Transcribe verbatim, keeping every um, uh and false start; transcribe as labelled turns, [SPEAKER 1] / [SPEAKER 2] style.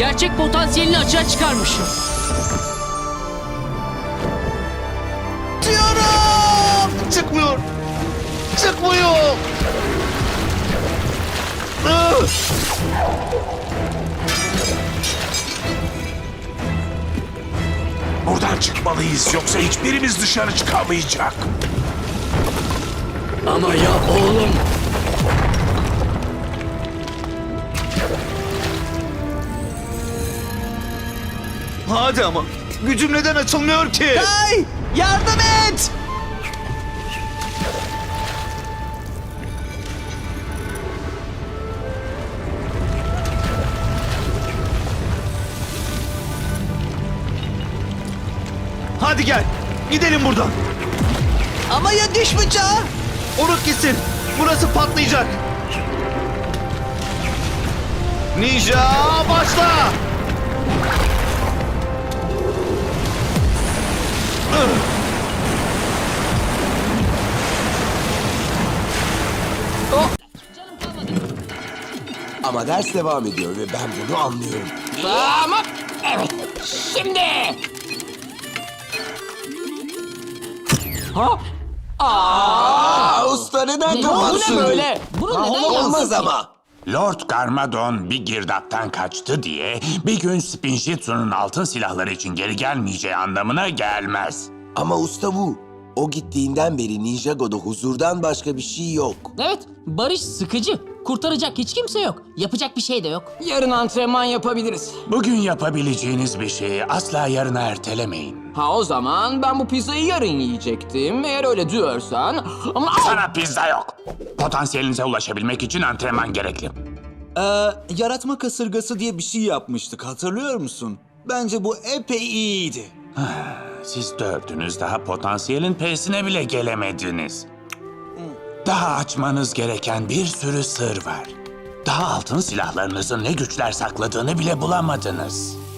[SPEAKER 1] Gerçek potansiyelini açığa çıkarmış.
[SPEAKER 2] Diyorum! Çıkmıyor! Çıkmıyor! Ih!
[SPEAKER 3] Buradan çıkmalıyız yoksa hiçbirimiz dışarı çıkamayacak.
[SPEAKER 4] Ama ya oğlum?
[SPEAKER 2] Hadi ama gücüm neden açılmıyor ki?
[SPEAKER 5] Kay! Yardım et!
[SPEAKER 2] Hadi gel gidelim buradan.
[SPEAKER 5] Ama ya diş bıçağı?
[SPEAKER 2] Unut gitsin. Burası patlayacak. Ninja başla.
[SPEAKER 6] Ama ders devam ediyor ve ben bunu anlıyorum.
[SPEAKER 4] Tamam. Evet. Şimdi. Ha?
[SPEAKER 6] Aa, usta neden
[SPEAKER 4] Bu
[SPEAKER 6] kapatsın?
[SPEAKER 4] ne böyle? Bunu neden yaptın
[SPEAKER 6] Olmaz
[SPEAKER 4] ki?
[SPEAKER 6] ama.
[SPEAKER 3] Lord Garmadon bir girdaptan kaçtı diye bir gün Spinjitzu'nun altın silahları için geri gelmeyeceği anlamına gelmez.
[SPEAKER 6] Ama usta bu. O gittiğinden beri Ninjago'da huzurdan başka bir şey yok.
[SPEAKER 1] Evet, barış sıkıcı. Kurtaracak hiç kimse yok. Yapacak bir şey de yok.
[SPEAKER 4] Yarın antrenman yapabiliriz.
[SPEAKER 3] Bugün yapabileceğiniz bir şeyi asla yarına ertelemeyin.
[SPEAKER 4] Ha o zaman ben bu pizzayı yarın yiyecektim. Eğer öyle diyorsan... Ama...
[SPEAKER 3] Sana pizza yok. Potansiyelinize ulaşabilmek için antrenman gerekli.
[SPEAKER 5] Ee, yaratma kasırgası diye bir şey yapmıştık, hatırlıyor musun? Bence bu epey iyiydi.
[SPEAKER 3] Siz dördünüz daha potansiyelin P'sine bile gelemediniz. Daha açmanız gereken bir sürü sır var. Daha altın silahlarınızın ne güçler sakladığını bile bulamadınız.